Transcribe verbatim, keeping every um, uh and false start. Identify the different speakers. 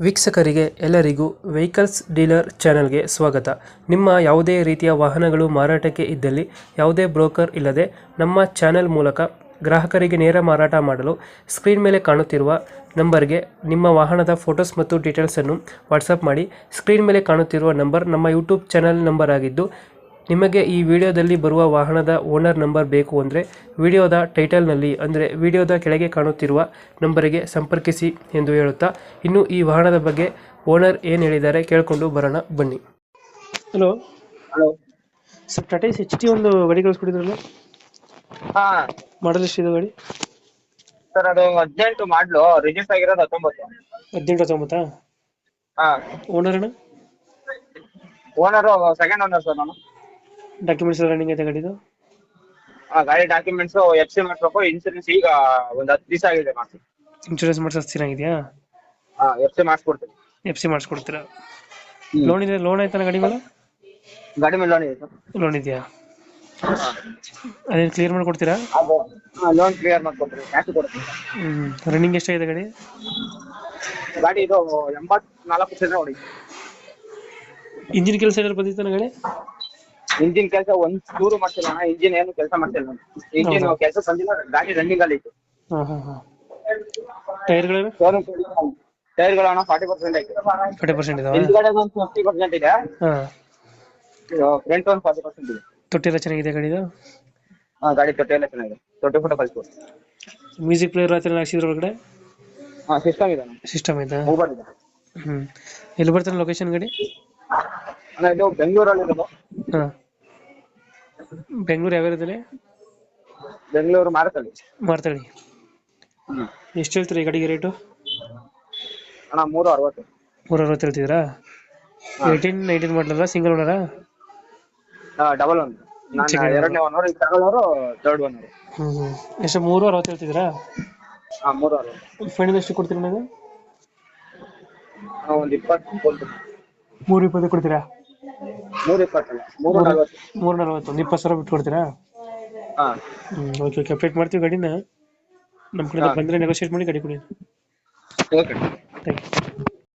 Speaker 1: ವೀಕ್ಷಕರಿಗೆ ಎಲ್ಲರಿಗೂ vehicles dealer ಚಾನೆಲ್ಗೆ ಸ್ವಾಗತ. ನಿಮ್ಮ ಯಾವುದೇ ರೀತಿಯ ವಾಹನಗಳು ಮಾರಾಟಕ್ಕೆ ಇದ್ದಲ್ಲಿ ಯಾವುದೇ ಬ್ರೋಕರ್ ಇಲ್ಲದೆ ನಮ್ಮ ಚಾನೆಲ್ ಮೂಲಕ ಗ್ರಾಹಕರಿಗೆ ನೇರ ಮಾರಾಟ ಮಾಡಲು ಸ್ಕ್ರೀನ್ ಮೇಲೆ ಕಾಣುತ್ತಿರುವ ನಂಬರ್ಗೆ ನಿಮ್ಮ ವಾಹನದ ಫೋಟೋಸ್ ಮತ್ತು ಡೀಟೇಲ್ಸನ್ನು ವಾಟ್ಸಪ್ ಮಾಡಿ. ಸ್ಕ್ರೀನ್ ಮೇಲೆ ಕಾಣುತ್ತಿರುವ ನಂಬರ್ ನಮ್ಮ ಯೂಟ್ಯೂಬ್ ಚಾನೆಲ್ ನಂಬರ್ ಆಗಿದ್ದು, ನಿಮಗೆ ಈ ವಿಡಿಯೋದಲ್ಲಿ ಬರುವ ವಾಹನದ ಓನರ್ ನಂಬರ್ ಬೇಕು ಅಂದರೆ ವಿಡಿಯೋದ ಟೈಟಲ್ನಲ್ಲಿ ಅಂದರೆ ವಿಡಿಯೋದ ಕೆಳಗೆ ಕಾಣುತ್ತಿರುವ ನಂಬರಿಗೆ ಸಂಪರ್ಕಿಸಿ ಎಂದು ಹೇಳುತ್ತಾ, ಇನ್ನು ಈ ವಾಹನದ ಬಗ್ಗೆ ಓನರ್ ಏನು ಹೇಳಿದ್ದಾರೆ ಕೇಳಿಕೊಂಡು ಬರೋಣ ಬನ್ನಿ. Hello
Speaker 2: hello
Speaker 1: sir, Tata H T ಒಂದು ಗಾಡಿ ಕಳಿಸ್ಕೊಟ್ಟಿದ್ರಲ್ಲ,
Speaker 2: ಹಾ
Speaker 1: ಮಾಡಲ್ ಎಷ್ಟಿದೆ ಗಾಡಿ?
Speaker 2: ಸರ್ ಅದು ಹದಿನೆಂಟು ಮಾಡ್ಲು, ರಿಜಿಸ್ಟರ್ ಆಗಿರೋದು ಹತ್ತೊಂಬತ್ತು.
Speaker 1: ಹದಿನೆಂಟು ಹತ್ತೊಂಬತ್ತಾ?
Speaker 2: ಹಾ
Speaker 1: ಓನರ್ ಅಣ್ಣ?
Speaker 2: ಓನರು ಸೆಕೆಂಡ್ ಓನರ್ ಸರ್ ನಾನು.
Speaker 1: ಡಾಕ್ಯುಮೆಂಟ್ಸ್ ರನ್ನಿಂಗ್ ಐತೆ ಗಾಡಿದು?
Speaker 2: ಆ ಗಾಡಿ ಡಾಕ್ಯುಮೆಂಟ್ಸ್ ಎಫ್ ಸಿ ಮಾಡಿಸ್ಬೇಕು, ಇನ್ಸೂರೆನ್ಸ್ ಈಗ ಒಂದ್ ಹತ್ತು ದಿವಸ ಆಗಿದೆ ಮಾಡಿಸಿ.
Speaker 1: ಇನ್ಶೂರೆನ್ಸ್ ಮಾಡಿಸೋದು ಚೆನ್ನಾಗಿದೆಯಾ?
Speaker 2: ಹಾ ಎಫ್ ಸಿ ಮಾಡಿಸ್ಕೊಡ್ತೀನಿ.
Speaker 1: ಎಫ್ ಸಿ ಮಾಡಿಸ್ಕೊಡ್ತೀರಾ? ಲೋನ್ ಇದೆ? ಲೋನ್ ಆಯ್ತಾನ ಗಾಡಿ ಮೇಲೆ?
Speaker 2: ಗಾಡಿ ಮೇಲೆ ಲೋನ್ ಇದೆ ಸರ್.
Speaker 1: ಲೋನ್ ಇದೆಯಾ? ಅದೇನು ಕ್ಲಿಯರ್ ಮಾಡಿಕೊಡ್ತೀರಾ?
Speaker 2: ಅದು ಲೋನ್ ಕ್ಲಿಯರ್ ಮಾಡ್ಕೊಡ್ತೀನಿ, ಕ್ಯಾಶ್ ಕೊಡ್ತೀನಿ.
Speaker 1: ಹ್ಞೂ. ರನ್ನಿಂಗ್ ಎಷ್ಟಾಗಿದೆ ಗಾಡಿ?
Speaker 2: ಗಾಡಿ ಇದು ಎಂಬತ್ನಾಲ್ಕು ಪರ್ಸೆಂಟ್ ನೋಡಿ.
Speaker 1: ಇಂಜಿನ್ ಕೆಲಸ ಏನಾದ್ರು ಬಂದಿತ್ತು ಗಾಡಿ?
Speaker 2: ಇಂಜಿನ್ ಕೆಲಸ ಒಂದ್ ಚೂರು ಮಾಡ್ತಿಲ್ಲ ಅಣ್ಣ, ಇಂಜಿನ್ ಏನು ಕೆಲಸ ಮಾಡ್ತಿಲ್ಲ ನಾನು. ಇಂಜಿನ್ ಕೆಲಸ ಬಂದಿಲ್ಲ, ಗಾಡಿ ರನ್ನಿಂಗ್ ಅಲ್ಲಿ ಇತ್ತು.
Speaker 1: ಹಾಂ ಹಾಂ ಹಾಂ. ಟೈರ್ಗಳು?
Speaker 2: ಟೈರ್ಗಳು ಅಣ್ಣ ಫಾರ್ಟಿ ಪರ್ಸೆಂಟ್ ಆಯ್ತು.
Speaker 1: ಫಾರ್ಟಿ ಪರ್ಸೆಂಟ್ ಇದಾವೆ?
Speaker 2: ಹಿಂದ್ಗಡೆ ಒಂದು ಫಿಫ್ಟಿ ಪರ್ಸೆಂಟ್ ಇದೆ,
Speaker 1: ಹಾಂ.
Speaker 2: ಫ್ರಂಟ್ ಒಂದು ಫಾರ್ಟಿ ಪರ್ಸೆಂಟ್ ಇದೆ.
Speaker 1: ತೊಟ್ಟಿ ಎಲ್ಲ ಚೆನ್ನಾಗಿದೆ ಗಾಡಿದು?
Speaker 2: ಹಾ ಗಾಡಿ ತೊಟ್ಟಿ ಎಲ್ಲ ಚೆನ್ನಾಗಿದೆ, ತೊಟ್ಟಿ ಫೋಟೋ ಕಳಿಸ್ಕೊಡಿ.
Speaker 1: ಮ್ಯೂಸಿಕ್ ಪ್ಲೇಯರ್ ಹತ್ರ ಹಾಕ್ಸಿದ್ರ ಒಳಗಡೆ?
Speaker 2: ಹಾ ಸಿಸ್ಟಮ್ ಇದೆ,
Speaker 1: ಸಿಸ್ಟಮ್ ಐತಾ?
Speaker 2: ಮೊಬೈಲ್ ಇದೆ.
Speaker 1: ಹ್ಞೂ. ಎಲ್ಲಿ ಬರ್ತಾನೆ ಲೊಕೇಶನ್ ಗಾಡಿ?
Speaker 2: ಅಣ್ಣ ಇದು ಬೆಂಗಳೂರಲ್ಲಿ ಇರೋದು.
Speaker 1: ಹಾಂ. ಬೆಂಗಳೂರು ಯಾವ ಏರಿಯಾದಲ್ಲಿ?
Speaker 2: ಬೆಂಗಳೂರು ಮಾರತಳ್ಳಿ.
Speaker 1: ಮಾರ್ತಳ್ಳಿ.
Speaker 2: ಹ್ಮ್.
Speaker 1: ಎಷ್ಟು ಹೇಳ್ತೀರಿ ಈ ಗಾಡಿಗೆ ರೇಟು?
Speaker 2: ಅಣ್ಣ ಮೂರು ಅರವತ್ತು.
Speaker 1: ಮೂರು ಅರವತ್ತು ಹೇಳ್ತಿದ್ದೀರಾ? ಏಯ್ಟೀನ್ ನೈನ್ಟೀನ್ ಮಾಡಲಲ್ಲ, ಸಿಂಗಲ್ ಓನರಾ?
Speaker 2: ಡಬಲ್ ಒನ್, ನಾನು ಎರಡನೇ ಓನರ್, ಈಗ ತಗೊಳ್ಳೋರು ಥರ್ಡ್ ಓನರ್.
Speaker 1: ಹ್ಞೂ ಹ್ಞೂ. ಎಷ್ಟು ಮೂರು ಅರವತ್ತು ಹೇಳ್ತಿದ್ದೀರಾ?
Speaker 2: ಹಾ ಮೂರು ಅರವತ್ತು.
Speaker 1: ಫೈನಲ್ ಎಷ್ಟು ಕೊಡ್ತೀರಾ ನೀವು?
Speaker 2: ಒಂದು ಇಪ್ಪತ್ತು ಕೊಡ್ತೀನಿ.
Speaker 1: ಮೂರು ಇಪ್ಪತ್ತು ಕೊಡ್ತೀರಾ?
Speaker 2: ಮೂರು ಇಪ್ಪತ್ತಲ್ಲ, ಮೂರು ನಲ್ವತ್ತು.
Speaker 1: ಮೂರು ನಲ್ವತ್ತು, ಒಂದು ಇಪ್ಪತ್ತು ಸಾವಿರ ಬಿಟ್ಟು ಕೊಡ್ತೀರಾ?
Speaker 2: ಹಾ
Speaker 1: ಹ್ಞೂ. ಓಕೆ ಓಕೆ, ಅಪ್ಡೇಟ್ ಮಾಡ್ತೀವಿ ಗಾಡಿನ. ನಮ್ಮ ಕಡೆ ಬಂದರೆ ನೆಗೋಷಿಯೇಟ್ ಮಾಡಿ ಗಾಡಿ ಕೊಡಿ.
Speaker 2: Okay
Speaker 1: thank you.